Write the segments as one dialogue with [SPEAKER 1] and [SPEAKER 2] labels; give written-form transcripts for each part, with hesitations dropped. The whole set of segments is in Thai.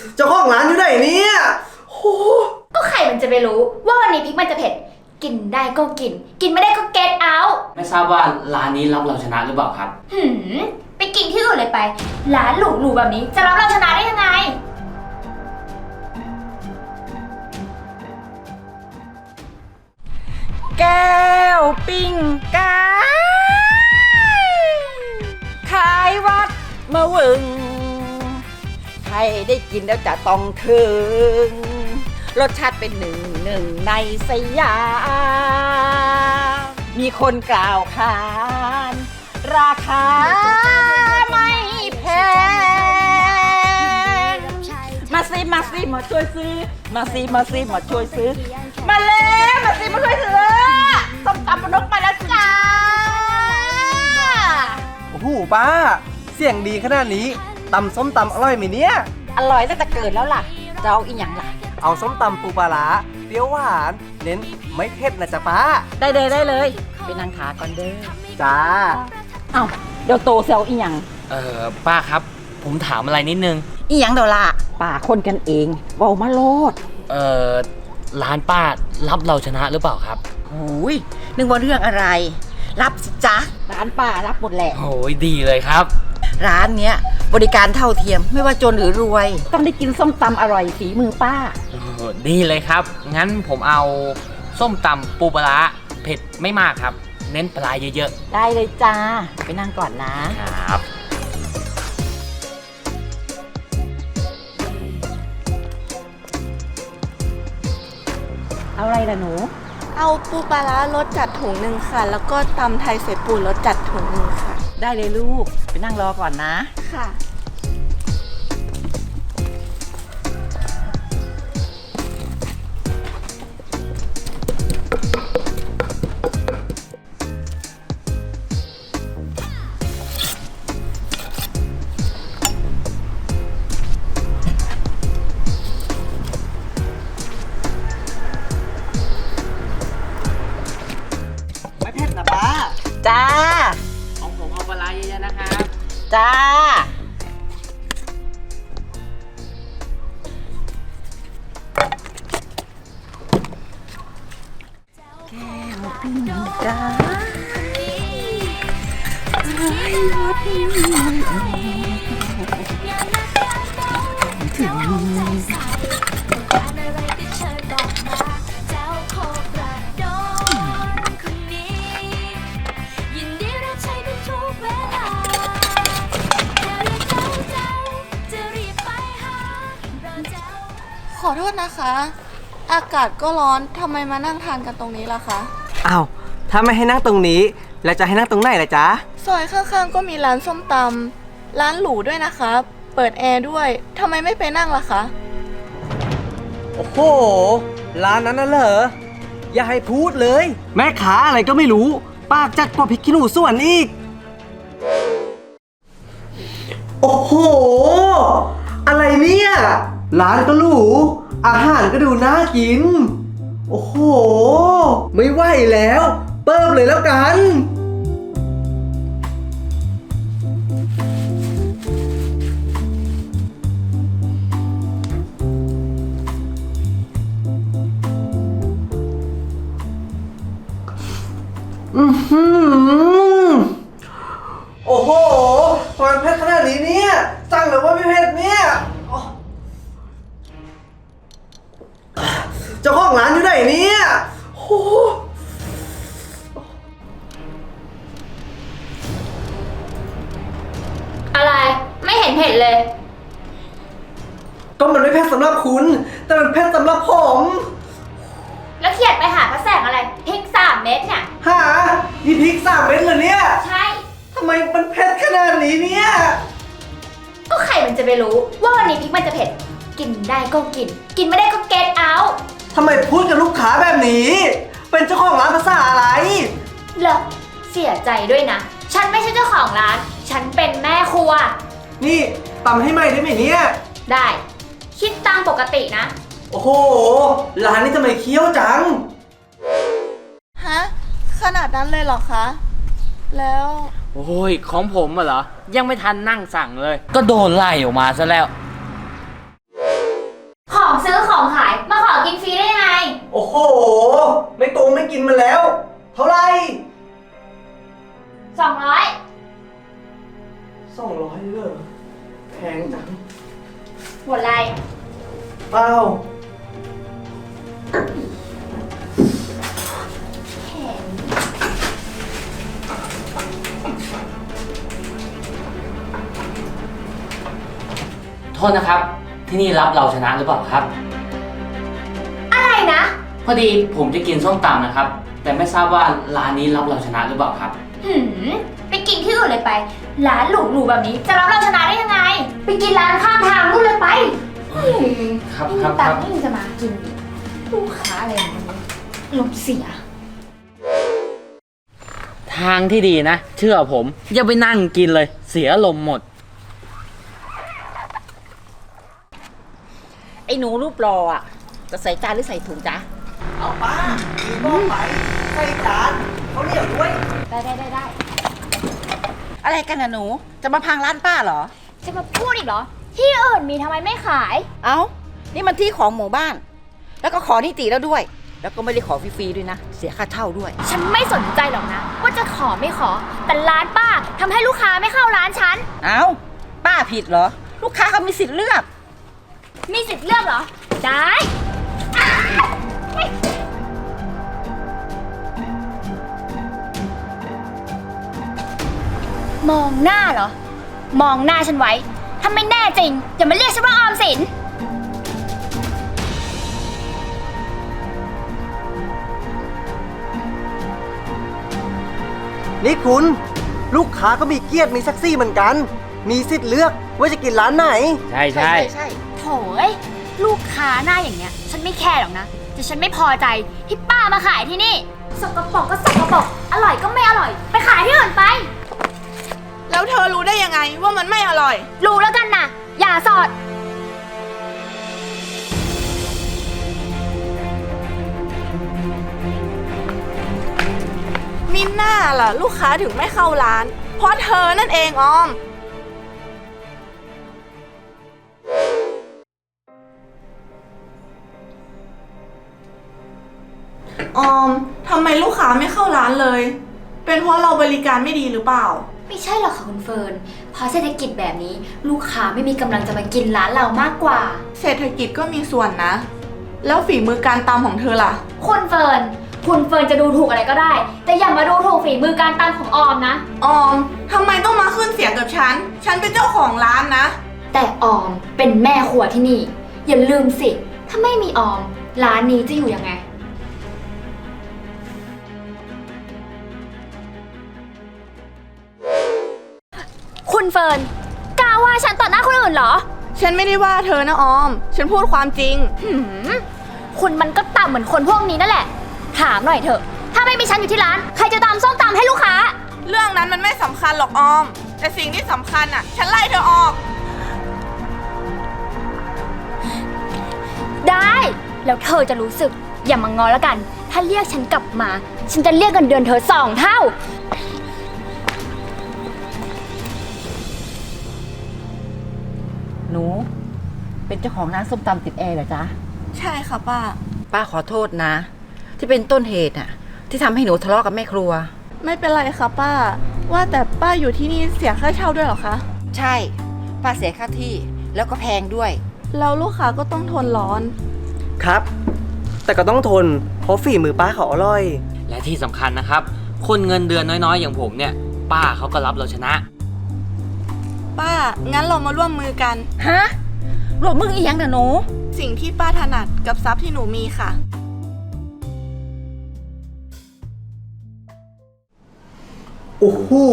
[SPEAKER 1] เจ้าของร้านอยู่ไหนเนี่ยโอ้
[SPEAKER 2] ก็ใครมันจะไปรู้ว่าวันนี้พริกมันจะเผ็ดกินได้ก็กิน กินไม่ได้ก็เก็ตเอาท์
[SPEAKER 3] ไม่ทราบว่าร้านนี้รับเราชนะหรือเปล่าครับ
[SPEAKER 2] ไปกินที่อื่นเลยไปร้านหรูๆแบบนี้จะรับเราชนะได้ยังไง
[SPEAKER 4] แก้วปิ้งกายขายวัดมะวึงใครได้กินแล้วจะต้องถึงรสชาติเป็นหนึ่งในสยามมีคนกล่าวขานราคาไม่แพงมาช่วยซื้อมาช่วยซื้อมาแล้วมาช่วยซื้อส้มตำปนกมาแล้วจ้า
[SPEAKER 1] โอ้โหป้าเสียงดีขนาดนี้ตำส้มตำอร่อยไหมเนี่ย
[SPEAKER 4] อร่อยตั้งแต่เกิดแล้วล่ะจะเอาอีกอย่างล่ะ
[SPEAKER 1] เอาส้มตำปูปลาร้าเปรี้ยวหวานเน้นไม่เผ็ดนะจ๊ะป้า
[SPEAKER 4] ได้เลยไปนั่งขาก่อนเด้อ
[SPEAKER 1] จ้า
[SPEAKER 4] เอ้าเดี๋ยวโตเซลอีหยัง
[SPEAKER 3] ป้าครับผมถามอะไรนิดนึง
[SPEAKER 4] อีหยังเดี๋ยวล่ะป้าคนกันเองเว้ามาโลด
[SPEAKER 3] ร้านป้ารับเราชนะหรือเปล่าครับ
[SPEAKER 4] โอ้ยนึกว่าเรื่องอะไรรับสิจ๊ะร้านป้ารับหมดแหละ
[SPEAKER 3] โอ้ยดีเลยครับ
[SPEAKER 4] ร้านเนี้ยบริการเท่าเทียมไม่ว่าจนหรือรวยต้องได้กินส้มตำอร่อยฝีมือป้า
[SPEAKER 3] ดีเลยครับงั้นผมเอาส้มตำปูปลาร้าเผ็ดไม่มากครับเน้นปลาเยอะ
[SPEAKER 4] ๆได้เลยจ้าไปนั่งก่อนนะครับเอาอะไรล่ะหนู
[SPEAKER 5] เอาปูปลาร้ารสจัดถุงหนึ่งค่ะ แล้วก็ตำไทยใส่ปูรสจัดถุงหนึ่งค่ะ
[SPEAKER 4] ได้เลยลูกไปนั่งรอก่อนนะ
[SPEAKER 5] ค่ะ
[SPEAKER 4] จ้า
[SPEAKER 3] ของผมเอาปลาร้าเยอะๆนะครับ
[SPEAKER 4] จ้าแก้วปิ้งจ้า
[SPEAKER 5] ขอโทษนะคะ อากาศก็ร้อนทำไมมานั่งทานกันตรงนี้ล่ะคะ
[SPEAKER 1] อ้าวถ้าไม่ให้นั่งตรงนี้แล้วจะให้นั่งตรงไหนล่ะจ๊ะ
[SPEAKER 5] ซอยข้างๆก็มีร้านส้มตำร้านหรูด้วยนะคะเปิดแอร์ด้วยทำไมไม่ไปนั่งล่ะคะ
[SPEAKER 1] โอ้โหร้านนั้นน่ะเหรออย่าให้พูดเลยแม่ค้าอะไรก็ไม่รู้ปากจัดกว่าพริกขี้หนูส่วนอีกโอ้โหอะไรเนี่ยร้านก็หรูอาหารก็ดูน่ากินโอ้โหไม่ไหวแล้วเปิบเลยแล้วกันโอ้โหมันเผ็ดขนาดนี้เนี่ยสั่งเลยว่าไม่เผ็ดเนี่ยเจ้าของร้านอยู่ไหนเนี่ยโอ้
[SPEAKER 2] อะไรไม่เห็นเผ็ดเลย
[SPEAKER 1] ก็มันไม่เผ็ดสำหรับคุณแต่มันเผ็ดสำหรับผม
[SPEAKER 2] แล้วเขียดไปหาพระแสงอะไรพริก3 เม็ดเนี่ย
[SPEAKER 1] หานี่พริก3 เม็ดเหรอเนี่ย
[SPEAKER 2] ใช่
[SPEAKER 1] ทำไมมันเผ็ดขนาดนี้เนี่ย
[SPEAKER 2] ก็ใครมันจะไปรู้ว่าวันนี้พริกมันจะเผ็ดกินได้ก็กิน กินไม่ได้ก็เก็ตเอาท์
[SPEAKER 1] ทำไมพูดกับลูกค้าแบบนี้เป็นเจ้าของร้านภาษาอะไร
[SPEAKER 2] เหรอเสียใจด้วยนะฉันไม่ใช่เจ้าของร้านฉันเป็นแม่ครัว
[SPEAKER 1] นี่ตำให้ใหม่ได้ไหมเนี่ย
[SPEAKER 2] ได้คิดตามปกตินะ
[SPEAKER 1] โอ้โหร้านนี้ทำไมเคี้ยวจัง
[SPEAKER 5] ฮะขนาดนั้นเลยเหรอคะแล้ว
[SPEAKER 3] โอ้ยของผมเหรอยังไม่ทันนั่งสั่งเลยก็โดนไล่ออกมาซะแล้ว
[SPEAKER 1] นมาแล้ว เท่าไหร่
[SPEAKER 2] 200
[SPEAKER 1] 200เลยแพงจัง
[SPEAKER 2] หมดไร
[SPEAKER 1] เปล่า
[SPEAKER 3] โทษนะครับ ที่นี่รับเราชนะหรือเปล่าครับ
[SPEAKER 2] อะไรนะ
[SPEAKER 3] พอดีผมจะกินส้มตำนะครับ แต่ไม่ทราบว่าร้านนี้รับเราชนะหรือเปล่าครับ
[SPEAKER 2] ไปกินที่อื่นเลยไป ร้านหรูๆแบบนี้จะรับเราชนะได้ยังไง ไปกินร้านข้างทางนู่นเลยไป
[SPEAKER 3] ครับ
[SPEAKER 2] ไม่
[SPEAKER 3] ครั
[SPEAKER 2] มี
[SPEAKER 3] บ
[SPEAKER 2] ตั
[SPEAKER 3] ค
[SPEAKER 2] ง
[SPEAKER 3] รับ
[SPEAKER 2] ค์ไม่มีจะมากินอีกลูกค้าอะไรอย่างนี้ลมเสีย
[SPEAKER 3] ทางที่ดีนะ เชื่อผมอย่าไปนั่งกินเลย เสียลมณ์หมด
[SPEAKER 4] ไอ้หนูรูปรออ่ะ จะใส่จานหรือใส่ถุงจ๊ะ
[SPEAKER 1] เอาป้ามีหม้อไปใส่จานเขาวเหนียวด้วย
[SPEAKER 2] ได้
[SPEAKER 4] อะไรกันนะหนู จะมาพังร้านป้าเหรอ
[SPEAKER 2] จะมาพูดอีกเหรอ ที่อื่นมีทำไมไม่ขาย
[SPEAKER 4] เอ้า นี่มันที่ของหมู่บ้าน แล้วก็ขอนิติแล้วด้วย แล้วก็ไม่ได้ขอฟรีๆด้วยนะ เสียค่าเช่าด้วย
[SPEAKER 2] ฉันไม่สนใจหรอกนะ ว่าจะขอไม่ขอ แต่ร้านป้าทำให้ลูกค้าไม่เข้าร้านฉัน
[SPEAKER 4] เอ้า ป้าผิดเหรอ ลูกค้าเขามีสิทธิ์เลือก
[SPEAKER 2] มีสิทธิ์เลือกเหรอ ได้ มองหน้าเหรอ มองหน้าฉันไว้ ถ้าไม่แน่จริง อย่ามาเรียกฉันว่าออมสิน
[SPEAKER 1] นี่คุณลูกค้าก็มีเกียรติมีศักดิ์ศรีเหมือนกัน มีสิทธิ์เลือกว่าจะกินร้านไหน
[SPEAKER 3] ใช่ใช่
[SPEAKER 4] ใช่
[SPEAKER 2] โถยลูกค้าหน้าอย่างเงี้ย ฉันไม่แคร์หรอกนะ แต่ฉันไม่พอใจที่ป้ามาขายที่นี่ สกปรกก็สกปรก อร่อยก็ไม่อร่อย ไปขายที่อื่นไป
[SPEAKER 5] แล้วเธอรู้ได้ยังไงว่ามันไม่อร่อย
[SPEAKER 2] รู้แล้วกันนะอย่าสอด
[SPEAKER 5] มิน่าล่ะ ลูกค้าถึงไม่เข้าร้าน เพราะเธอนั่นเองออม ออมทำไมลูกค้าไม่เข้าร้านเลย เป็นเพราะเราบริการไม่ดีหรือเปล่า
[SPEAKER 2] ไม่ใช่หรอกค่ะคุณเฟิร์นเพราะเศรษฐกิจแบบนี้ ลูกค้าไม่มีกำลังจะมากินร้านเรามากกว่า
[SPEAKER 5] เศรษฐกิจก็มีส่วนนะ แล้วฝีมือการตำของเธอล่ะ
[SPEAKER 2] คุณเฟิร์นจะดูถูกอะไรก็ได้ แต่อย่ามาดูถูกฝีมือการตำของออมนะ
[SPEAKER 5] ออมทำไมต้องมาขึ้นเสียงกับฉัน ฉันเป็นเจ้าของร้านนะ
[SPEAKER 2] แต่ออมเป็นแม่ครัวที่นี่ อย่าลืมสิ ถ้าไม่มีออม ร้านนี้จะอยู่ยังไง คุณเฟิร์นกล้าว่าฉันต่อหน้าคนอื่นเหรอ
[SPEAKER 5] ฉันไม่ได้ว่าเธอนะออม ฉันพูดความจริง
[SPEAKER 2] คุณมันก็ต่ำเหมือนคนพวกนี้นั่นแหละ ถามหน่อยเถอะ ถ้าไม่มีฉันอยู่ที่ร้าน ใครจะตำส้มตำให้ลูกค้า
[SPEAKER 5] เรื่องนั้นมันไม่สำคัญหรอกออม แต่สิ่งที่สำคัญอ่ะ ฉันไล่เธอออก
[SPEAKER 2] ได้ แล้วเธอจะรู้สึก อย่ามางอแล้วกัน ถ้าเรียกฉันกลับมา ฉันจะเรียกเงินเดือนเธอ2 เท่า
[SPEAKER 4] หนู เป็นเจ้าของร้านส้มตำติดแอร์เหรอจ๊ะ
[SPEAKER 5] ใช่ค่ะป้า
[SPEAKER 4] ป้าขอโทษนะ ที่เป็นต้นเหตุอ่ะ ที่ทำให้หนูทะเลาะกับแม่ครัว
[SPEAKER 5] ไม่เป็นไรค่ะป้า ว่าแต่ป้าอยู่ที่นี่เสียค่าเช่าด้วยเหรอคะ
[SPEAKER 4] ใช่ ป้าเสียค่าที่แล้วก็แพงด้วย
[SPEAKER 5] แล้วลูกค้าก็ต้องทนร้อน
[SPEAKER 1] ครับ แต่ก็ต้องทน เพราะฝีมือป้าเขาอร่อย
[SPEAKER 3] และที่สำคัญนะครับ คนเงินเดือนน้อยๆ อย่างผมเนี่ย ป้าเขาก็รับเราชนะ
[SPEAKER 5] ป้า งั้นเรามาร่วมมือกัน
[SPEAKER 4] ฮะรวมมึงอีหยังนะหนู
[SPEAKER 5] สิ่งที่ป้าถนัดกับทรัพย์ที่หนูมีค่ะ
[SPEAKER 1] โอ้โห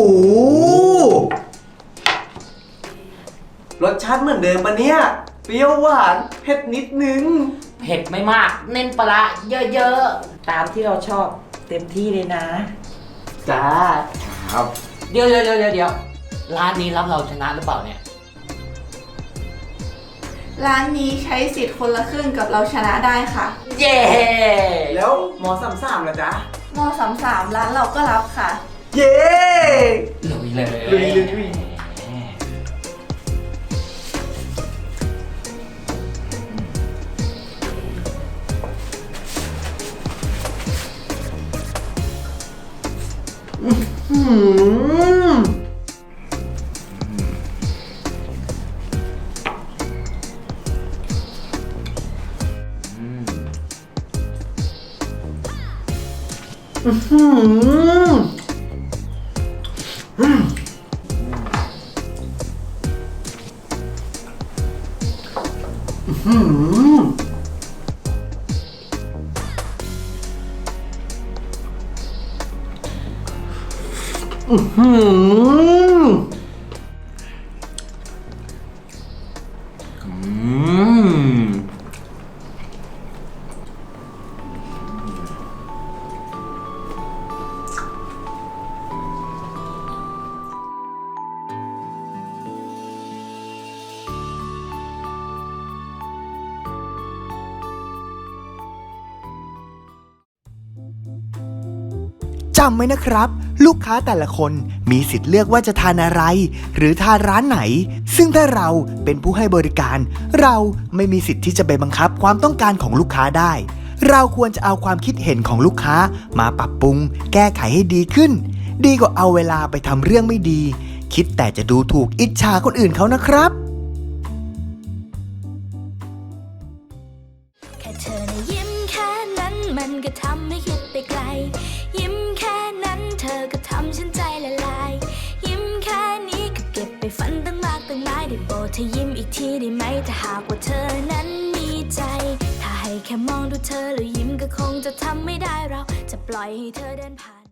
[SPEAKER 1] รสชาติเหมือนเดิมปะเนี่ย เปรี้ยวหวานเผ็ดนิดนึง
[SPEAKER 3] เผ็ดไม่มาก เน้นปลาร้าเยอะ
[SPEAKER 4] ตามที่เราชอบเต็มที่เลยนะ
[SPEAKER 1] จ้า
[SPEAKER 3] ๆ ครับ เดี๋ยวร้านนี้รับเราชนะหรือเปล่าเนี่ย
[SPEAKER 5] ร้านนี้ใช้สิทธิ์คนละครึ่งกับเราชนะได้ค่ะ
[SPEAKER 3] เย้
[SPEAKER 1] แล้วหมอ33ล่ะจ๊ะ
[SPEAKER 5] ม33ร้านเราก็รับค่ะ
[SPEAKER 1] เย้
[SPEAKER 3] ลุยเลย
[SPEAKER 1] ลุยอ อื้อหืออื้อหืออื้อหือ
[SPEAKER 6] จำไว้นะครับ ลูกค้าแต่ละคนมีสิทธิ์เลือกว่าจะทานอะไร หรือทานร้านไหน ซึ่งถ้าเราเป็นผู้ให้บริการ เราไม่มีสิทธิ์ที่จะไปบังคับความต้องการของลูกค้าได้ เราควรจะเอาความคิดเห็นของลูกค้ามาปรับปรุง แก้ไขให้ดีขึ้น ดีกว่าเอาเวลาไปทำเรื่องไม่ดี คิดแต่จะดูถูกอิจฉาคนอื่นเขานะครับ
[SPEAKER 7] แค่เธอนะยิ้มแค่นั้นมันก็ทำให้คิดไปไกล ยิ้มแค่นั้นเธอก็ทำฉันใจละลาย ยิ้มแค่นี้ก็เก็บไปฝันตั้งมากตั้งหลายได้โปรดเธอยิ้มอีกทีได้ไหมถ้าหากว่าเธอนั้นมีใจ ถ้าให้แค่มองดูเธอแล้วยิ้มก็คงจะทำไม่ได้เราจะปล่อยให้เธอเดินผ่าน